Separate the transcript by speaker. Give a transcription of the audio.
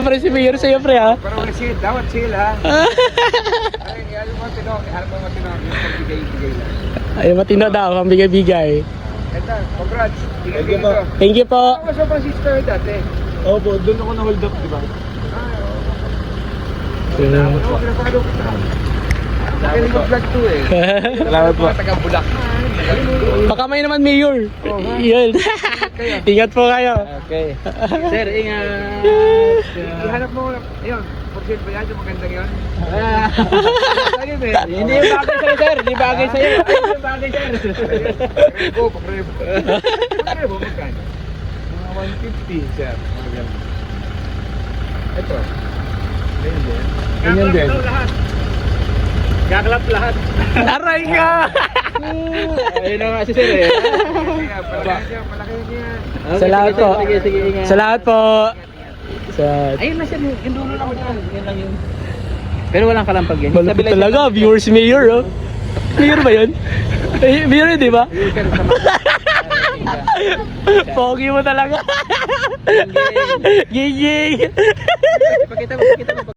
Speaker 1: Pre, si Mayor sa'yo, pre, ha?
Speaker 2: Pero wala sila, dapat sila. Ay, ano mo tinong, harap mo tinong, bigay-bigay lang.
Speaker 1: Ay, matino daw, ang bigay-bigay.
Speaker 2: Ito, congrats. Bigay dito.
Speaker 1: Thank you po.
Speaker 2: Ako sa Francisco dati.
Speaker 3: Opo, doon ako na-hold up, di ba?
Speaker 2: Magaling mag-vlog to eh.
Speaker 3: Salamat po.
Speaker 2: Mga taga-Bulak.
Speaker 1: Baka may naman, Mayor. Yun. Ingat po kayo.
Speaker 3: Okay. Sir, ingat.
Speaker 2: Ihanap mo, ayun, portion ba yan yung magandang yun? Ayun eh.
Speaker 3: Hindi yung bagay sa'yo, sir. Hindi bagay sa'yo. Hindi yung bagay, sir.
Speaker 2: Rebo, pagrebo. Pagrebo, magkano?
Speaker 3: Mga 150, sir.
Speaker 2: Ito.
Speaker 3: Ganyan din.
Speaker 2: Gaklap lahat.
Speaker 1: Aray ka!
Speaker 3: Ayun na nga si sir eh.
Speaker 2: Malaki niya.
Speaker 1: Salamat po.
Speaker 3: Sige, sige, ingat.
Speaker 1: Salamat po. Sa...
Speaker 3: Ayun na sir, yung dulo lang yan. Yan lang yun. Pero walang kalampag yan.
Speaker 1: Malapit talaga, viewers Mayor, oh. Mayor ba yun? Eh, Mayor yun, di ba? Pogi mo talaga. Gigi.
Speaker 3: Pakita mo.